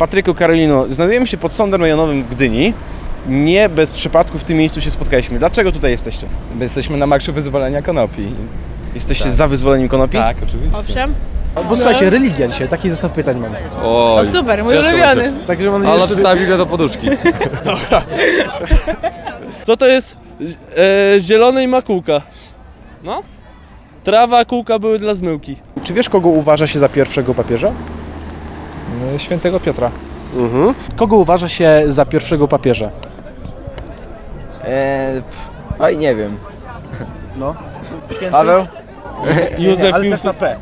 Patryku, Karolino, znajdujemy się pod Sądem Rejonowym w Gdyni. Nie bez przypadku w tym miejscu się spotkaliśmy. Dlaczego tutaj jesteście? My jesteśmy na marszu wyzwolenia konopi. Jesteście za wyzwoleniem konopi? Tak, oczywiście. Owszem. Bo słuchajcie, religia dzisiaj, taki zestaw pytań mam. O super, mój ulubiony. Także mam nadzieję, Ale że czyta Biblię do poduszki. Co to jest zielone i ma kółka? No? Trawa, a kółka były dla zmyłki. Czy wiesz, kogo uważa się za pierwszego papieża? Świętego Piotra. Kogo uważa się za pierwszego papieża? Oj, nie wiem. No. Paweł? Józef ale też Piłsudski. na P.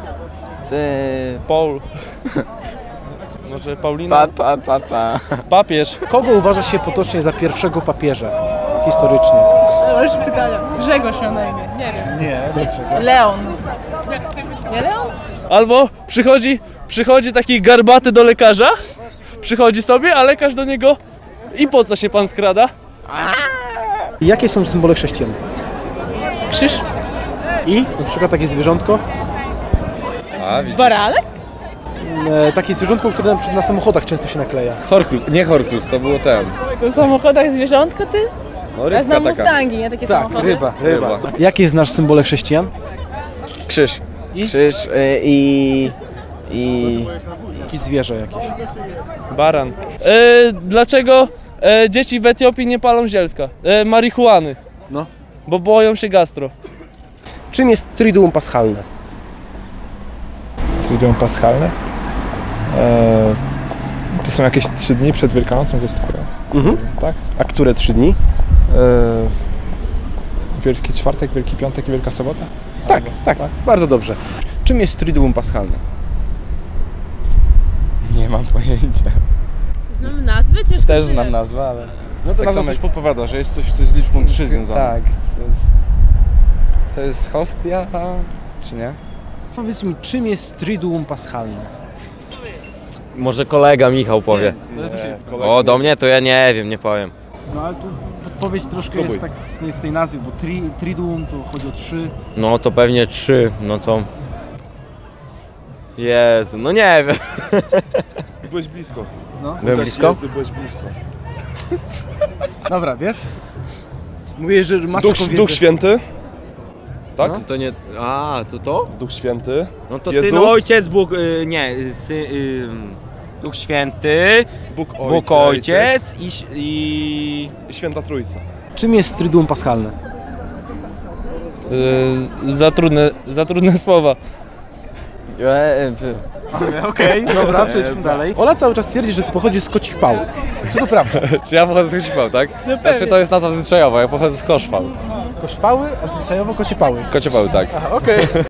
Paul. Może Paulina? Papież. Kogo uważa się potocznie za pierwszego papieża historycznie? Już pytania. Grzegorz miał na imię, nie wiem. Nie, dlaczego? Leon. Nie Leon? Albo przychodzi taki garbaty do lekarza, przychodzi sobie, a lekarz do niego: i po co się pan skrada? Jakie są symbole chrześcijan? Krzyż? I na przykład takie zwierzątko? Baranek? Takie zwierzątko, które na przykład na samochodach często się nakleja. Nie Horcrux, to było ten. W samochodach zwierzątko ty? No, Ja znam taka. Mustangi, nie takie Tak, samochody. ryba. Ryba. Jakie znasz symbole chrześcijan? Krzyż. I? Krzyż i... Jakieś zwierzę jakieś. Baran. Dlaczego dzieci w Etiopii nie palą zielska? Marihuany. No. Bo boją się gastro. Czym jest Triduum Paschalne? Triduum Paschalne. To są jakieś 3 dni przed Wielkanocą, coś takiego. Tak? A które 3 dni? Wielki Czwartek, Wielki Piątek i Wielka Sobota? Tak. Bardzo dobrze. Czym jest Triduum Paschalne? Nie mam pojęcia. Znam nazwy? Ciężko Też tyle. znam nazwę, ale... No to nazwa coś podpowiada, że jest coś z liczbą 3 związane. Tak, to jest hostia, czy nie? Powiedz mi, czym jest Triduum Paschalne? Może kolega Michał powie. O, do mnie to ja nie wiem, nie powiem. No ale tu podpowiedź troszkę jest tak w tej nazwie, bo Triduum to chodzi o 3. No to pewnie 3, no to... Jezu, no nie wiem. Byłeś blisko. Byłem blisko? Byłeś blisko. Dobra, wiesz? Mówię, że masę Duch Święty. Tak? To nie... A, to? Duch Święty. No to Jezus? Syn, Ojciec, Bóg... nie, Duch Święty, Bóg Ojciec I Święta Trójca. Czym jest Triduum Paschalne? Za trudne słowa. Okej, dobra, przejdźmy dalej. Ola cały czas twierdzi, że ty pochodzisz z Kocich Pał. Czy to prawda? Czy ja pochodzę z Kociepały, tak? Znaczy to jest nazwa zwyczajowa, ja pochodzę z Koszwał. Koszwały, a zwyczajowo Kocie Pały. Kociepały, tak. Okej.